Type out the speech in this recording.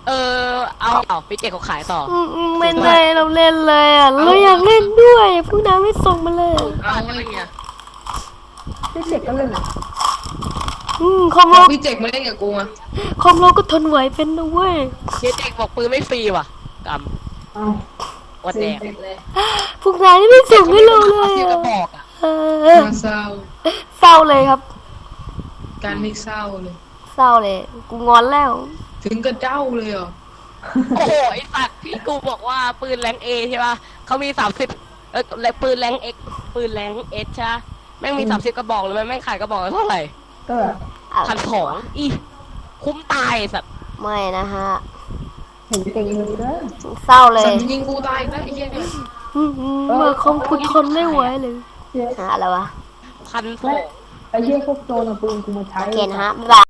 เอาพี่เจเขาขายต่อไม่ได้เราเล่นเลยอ่ะเราอยากเล่นด้วยพวกน้าไม่ส่งมาเลยเอาอะไรเงี้ยพี่เจ็กก็เล่นอ่ะคอมโลพี่เจ็กมาเล่นกับกูอ่ะคอมโลก็ทนไหวเป็นนะเว้ยพี่เจบอกปืนไม่ฟรีว่ะกเอาำวัดแดงพวกนายไม่ส่งให้เราเลยที่กระอะบอกอ่ะน่าเศร้าเศร้าเลยครับการไม่เศร้าเลยเศร้าเลยกูงอนแล้วถึงกระเจ้าเลยเหรอโอ้โหไอ้สัตว์ที่กูบอกว่าปืนแรงเอใช่ป่ะเขามี30ปืนแรงเอ็กปืนแรงเอสใช่แม่งมี30กระบอกเลยแม่งขายกระบอกละเท่าไหร่ก็ 1,200อีคุ้มตายสัตว์ไม่นะฮะเห็นเก่งเลยเด้อเศร้าเลยสันยิงกูตายแล้วไอ้เหี้ยเนี่ยเมื่อของคุณทนไม่ไหวเลยหาอะไรวะ 1,200 ไอ้เหี้ยพวกโจรเอาปืนกูมาใช้โอเคนะฮะบ๊ายบาย